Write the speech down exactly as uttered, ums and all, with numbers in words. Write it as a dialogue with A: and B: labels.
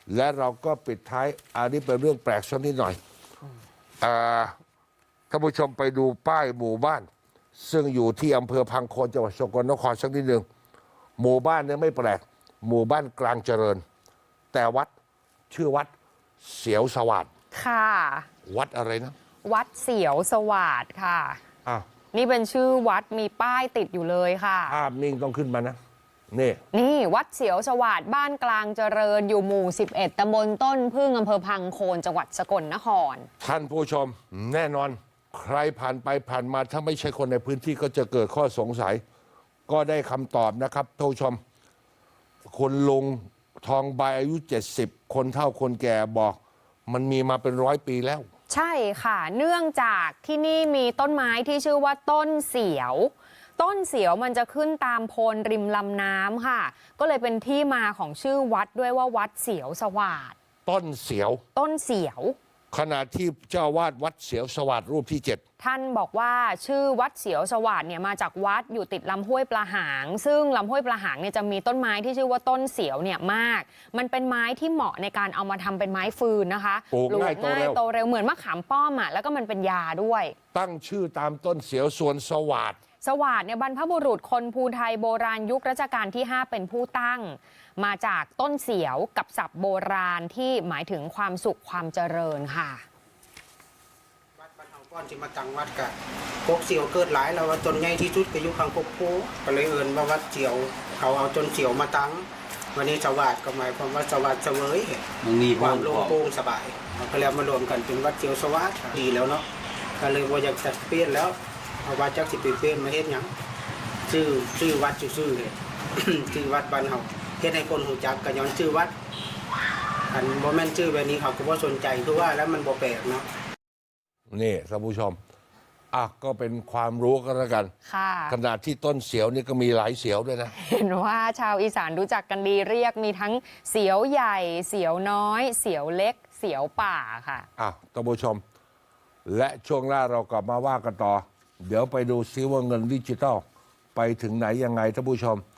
A: และเราก็ปิดท้ายอันนี้เป็นเรื่องแปลกสักนิดหน่อยอ่าท่านผู้ชมไปดูป้ายหมู่บ้าน ซึ่งอยู่ที่อำเภอพังโคนจังหวัดสกลนครสักนิดหนึ่งหมู่บ้านเนี่ยไม่แปลกหมู่บ้านกลางเจริญ แต่วัดชื่อวัดเสียวสวัสดิ์
B: ค่ะ
A: วัดอะไรนะ
B: วัดเสียวสวัสดิ์ค่ะ
A: อ้าว
B: นี่เป็นชื่อวัดมีป้ายติดอยู่เลยค่ะ
A: ภาพนิ่งต้องขึ้นมานะนี่
B: นี่วัดเสียวสวัสดิ์บ้านกลางเจริญอยู่หมู่สิบเอ็ดตำบลต้นพึ่งอำเภอพังโคนจังหวัดสกลนคร
A: ท่านผู้ชมแน่นอนใครผ่านไปผ่านมาถ้าไม่ใช่คนในพื้นที่ก็จะเกิดข้อสงสัย ก็ได้คำตอบนะครับท่านผู้ชมคุณลุงทองใบอายุเจ็ดสิบคนเฒ่าคนแก่บอก มันมีมาเป็นร้อยปีแล้ว
B: ใช่ค่ะ เนื่องจากที่นี่มีต้นไม้ที่ชื่อว่าต้นเสียว ต้นเสียวมันจะขึ้นตามโพนริมลำน้ำค่ะ ก็เลยเป็นที่มาของชื่อวัดด้วยว่าวัดเสียวสวัสดิ์
A: ต้นเสียว
B: ต้นเสียว
A: ขณะที่เจ้าวาดวัดเสียวสวัสดิ์รูปที่เจ็ด
B: ท่านบอกว่าชื่อวัดเสียวสวัสดิ์เนี่ยมาจากวัดอยู่ติดลำห้วยปลาหาง ซึ่งลำห้วยปลาหางเนี่ยจะมีต้นไม้ที่ชื่อว่าต้นเสียวเนี่ยมาก มันเป็นไม้ที่เหมาะในการเอามาทำเป็นไม้ฟืนนะคะ
A: ปลูกง่ายโตเร็ว
B: โตเร็วเหมือนมะขามป้อมอ่ะแล้วก็มันเป็นยาด้วย
A: ตั้งชื่อตามต้นเสียวส่วนสวัสดิ์
B: สวัสดิ์เนี่ยบรรพบุรุษคนภูไทยโบราณยุครัชกาลที่ห้าเป็นผู้ตั้ง มาจากต้นเสียวกับศัพท์โบราณที่หมายถึงความสุขความเจริญค่ะ
C: วัดบ้านเฮาก้อนที่มาตั้งวัดกะกกเสียวเกิดหลายแล้วว่าต้นใหญ่ที่สุดก็อยู่ข้างกกโพก็เลยเอิ้นว่าวัดเสียวเขาเอาต้นเสียวมาตั้งวันนี้สวัสดิ์ก็หมายความว่าสวัสดิ์เสวย
D: มันมี
C: ความ
D: โพ
C: โล่ง
D: ธิ์
C: โปร่งสบายเราก็แล้วมารวมกันเป็นวัดเสียวสวัสดิ์ดีแล้วเนาะก็เลยว่าอยากจะเปลี่ยนแล้วเอาว่าจักสิไปเปลี่ยนมาเฮ็ดหยังชื่อชื่อวัดชื่อๆเลย ชื่อวัดบ้านเฮาเฮ็ดให้คนรู้จักก็ย้อนชื่อวัดอันบ่แม่นชื่อแบบนี้เขาก็บ่สนใจคือว่าแล้วมันบ่แปลกเนาะ
A: นี่ท่านผู้ชมอ่ะก็เป็นความรู้ก็แล้วกัน
B: ค่ะ
A: ขนาดที่ต้นเสียวนี่ก็มีหลายเสียวด้วยนะ
B: เห็นว่าชาวอีสานรู้จักกันดีเรียกมีทั้งเสียวใหญ่ เสียวน้อย เสียวเล็ก เสียวป่าค่ะ
A: อ่ะท่านผู้ชม และช่วงหน้าเรากลับมาว่ากันต่อ เดี๋ยวไปดูซิว่าเงินดิจิทัลไปถึงไหนยังไงท่านผู้ชม